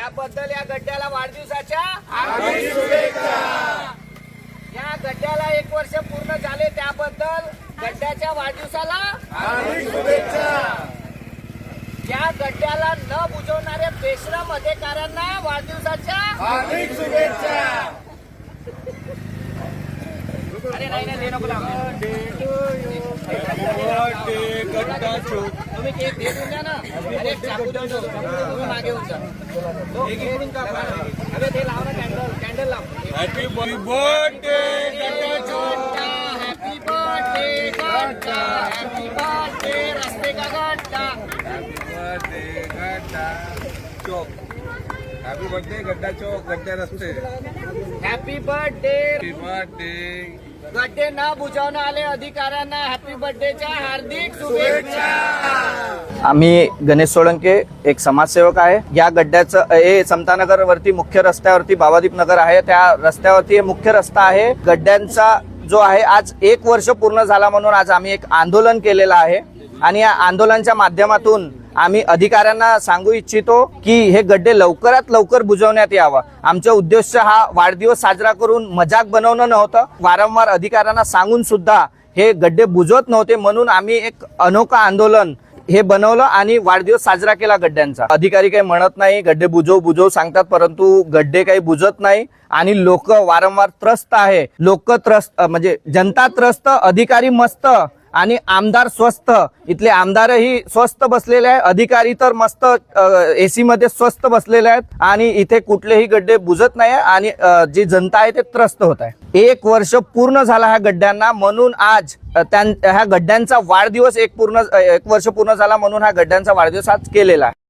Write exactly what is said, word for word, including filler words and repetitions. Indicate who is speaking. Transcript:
Speaker 1: त्याबद्दल या गड्ड्याला वाढदिवसाच्या
Speaker 2: हार्दिक शुभेच्छा।
Speaker 1: या गड्ड्याला एक वर्ष पूर्ण झाले त्याबद्दल गड्ड्याच्या वाढदिवसाला
Speaker 2: हार्दिक शुभेच्छा।
Speaker 1: या गड्ड्याला न बुजवणाऱ्या बेशरम अधिकाऱ्यांना वाढदिवसाच्या
Speaker 2: हार्दिक शुभेच्छा।
Speaker 1: अरे नाही नाही, दे नको लावू. तुम्ही केक दे देऊन द्या ना. अरे एक चाकू देऊन ठेव. तुम्ही मागे होऊन जा. तो इकडून का? अरे ते लाव ना, कॅन्डल कॅन्डल लाव.
Speaker 2: हॅपी बर्थडे गड्डा।
Speaker 1: हॅपी बर्थडे गड्डा, हॅपी बर्थडे रस्ते का गड्डा.
Speaker 2: बर्थडे गड्डा चौक। हॅपी बर्थडे गड्डा चौक, गड्डा रस्ते।
Speaker 1: Happy birthday.
Speaker 2: Happy birthday.
Speaker 1: गड्डे न बुजवणं आले अधिकाऱ्यांना हॅपी बर्थडेच्या हार्दिक शुभेच्छा.
Speaker 3: आम्ही गणेश सोळंके, एक समाजसेवक आहे. या गड्ड्याचं हे समतानगर वरती मुख्य रस्त्यावरती बाबादीप नगर आहे, त्या रस्त्यावरती हे मुख्य रस्ता आहे. गड्ड्यांचा जो आहे आज एक वर्ष पूर्ण झाला म्हणून आज आम्ही एक आंदोलन केलेलं आहे आणि या आंदोलनाच्या माध्यमातून आम्ही अधिकाऱ्यांना सांगू इच्छितो की हे गड्डे लवकरात लवकर बुजवण्यात यावं. आमचा उद्देश हा वाढदिवस साजरा करून मजाक बनवणं नव्हतं. वारंवार अधिकाऱ्यांना सांगून सुद्धा हे गड्डे बुजवत नव्हते, म्हणून आम्ही एक अनोखं आंदोलन हे बनवलं आणि वाढदिवस साजरा केला गड्ड्यांचा. अधिकारी काही म्हणत नाही, गड्डे बुजव बुजव सांगतात, परंतु गड्डे काही बुजत नाही आणि लोक वारंवार त्रस्त आहे. लोक त्रस्त म्हणजे जनता त्रस्त, अधिकारी मस्त आणि आमदार स्वस्त. इथले आमदारही स्वस्त बसलेले आहे, अधिकारी तर मस्त एसी मध्ये स्वस्त बसलेले आहेत आणि इथे कुठलेही गड्डे बुजत नाही आणि जी जनता आहे ते त्रस्त होत आहे. एक वर्ष पूर्ण झाला ह्या गड्ड्यांना, म्हणून आज त्या ह्या गड्ड्यांचा वाढदिवस एक पूर्ण एक वर्ष पूर्ण झाला म्हणून हा गड्ड्यांचा वाढदिवस आज केलेला आहे.